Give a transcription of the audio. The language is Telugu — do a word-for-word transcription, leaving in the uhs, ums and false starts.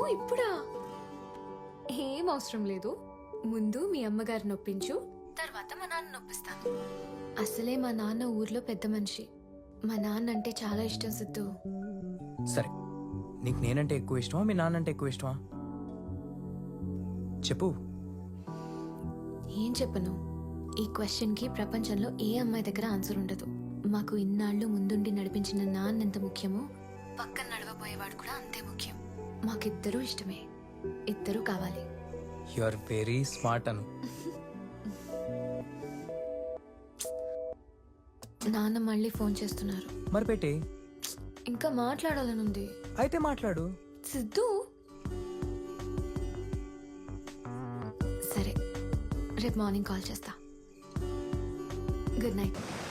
ఇప్పుడా? ఏం అవసరం లేదు. ముందు మీ అమ్మగారిని నొప్పించు, తర్వాత మా నాన్న నొప్పిస్తాను. అసలే మా నాన్న ఊర్లో పెద్ద మనిషి. మా నాన్న అంటే చాలా ఇష్టం సిద్ధు. సరే, నీకు నేనంటే ఎక్కువ ఇష్టమా మీ నాన్నంటే ఎక్కువ ఇష్టమా చెప్పు. ఏం చెప్పను? ఈ క్వశ్చన్ కి ప్రపంచంలో ఏ అమ్మాయి దగ్గర ఆన్సర్ ఉండదు. మాకు ఇన్నాళ్ళు ముందుండి నడిపించిన నాన్న ఎంత ముఖ్యమో పక్కన నడవబోయేవాడు కూడా అంతే ముఖ్యం. మాకిద్దరూ ఇష్టమే, ఇద్దరూ కావాలి. You are very smart Anu. నాన్న మళ్ళీ ఫోన్ చేస్తున్నారు. మరి పెట్టి ఇంకా మాట్లాడాలనుంది. అయితే మాట్లాడు. సిద్ధు, సరే రేపు మార్నింగ్ కాల్ చేస్తా. Good night.